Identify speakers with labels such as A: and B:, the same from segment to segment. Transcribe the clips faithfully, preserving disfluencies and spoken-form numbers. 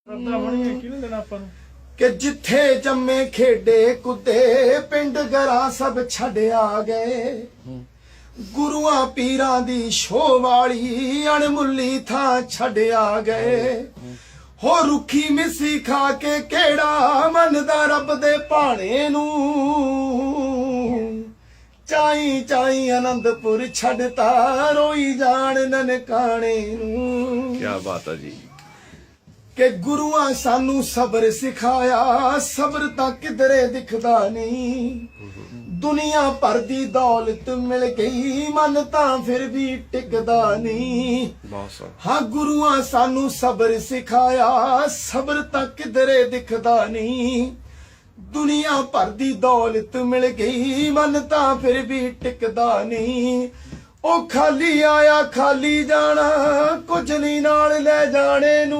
A: कि जिथे जम्मे खेडे कुदे पिंड गरा सब छड्या गए गुरुआ पीरां दी शो वाली अणमुली थां छड्या गए हो रुखी मिसी खा के केड़ा मनदा रब दे भाणे नूं चाई चाई आनंदपुर छड्डता रोई जान ननकाणे नूं।
B: क्या बात है जी
A: कि गुरुआ सानू सबर सिखाया सबर तां किधरे दिखदा नहीं दुनिया भर दी दौलत मिल गई मन तां फिर भी टिकदा नहीं। हाँ गुरुआ सानू सबर सिखाया सबर तां किधरे दिखदा नहीं दुनिया भर दी दौलत मिल गई मन तां फिर भी टिकदा नहीं। ओ खाली आया खाली जाना कुछ नहीं नाल ले जाने नू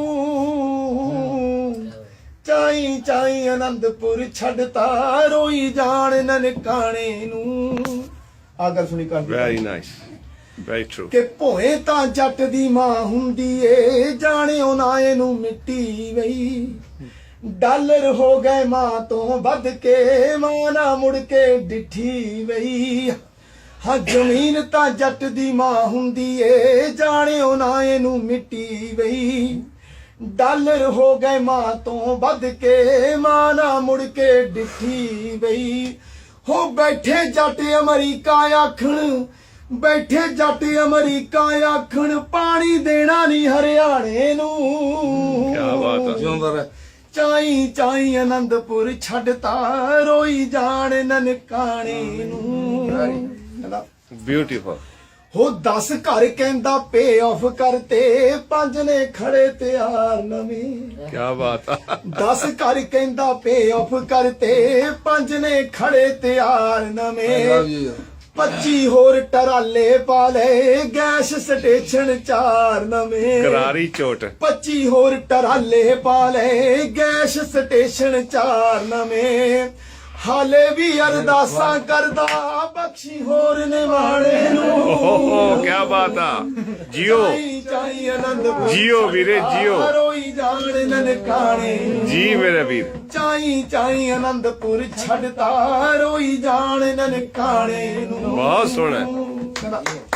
A: चाई चाई आनंदपुर छड्डता रोई जान ननकाणे नू। आ गल सुनी कर
B: वेरी नाइस वेरी ट्रू
A: कि भोए तां जट दी मां हुंदी ए जाणिओ ना एनू मिट्टी वई डॉलर हो गए मां तो वध के मां ना मुड़ के डिठी वई। हाँ जमीन तां जट दी मां हुंदी ए जाणिओ ना एनू मिट्टी वई डॉलर हो गए मां तो वध के मां ना मुड़ के डिठी वई। हो बैठे जट अमरीका आखण बैठे जट अमरीका आखण पानी देना नहीं हरियाणे नू।
B: क्या बात है
A: चाई चाई आनंदपुर छड्डता रोई जान ननकाणे नू।
B: ब्यूटीफुल
A: हो दस घर कहंदा पे ऑफ करते पंज ने खड़े तैयार नवीं।
B: क्या बात है
A: दस घर कहंदा पे ऑफ करते पंज ने खड़े तैयार नवें पच्ची होर टराले पाले गैस स्टेशन चार नवें
B: करारी चोट
A: पच्ची होर टराले पाले गैस स्टेशन चार नवें हाले भी अरदासा करदा बख्शी होर निवाणे नूं।
B: क्या बात है जियो
A: चाई आनंदपुर
B: जियो वीरे जियो
A: रोई जान ननकाणे
B: जी मेरे वीर
A: चाई चाई आनंदपुर छड्डता रोई जान ननकाणे नूं।
B: बहुत सोहना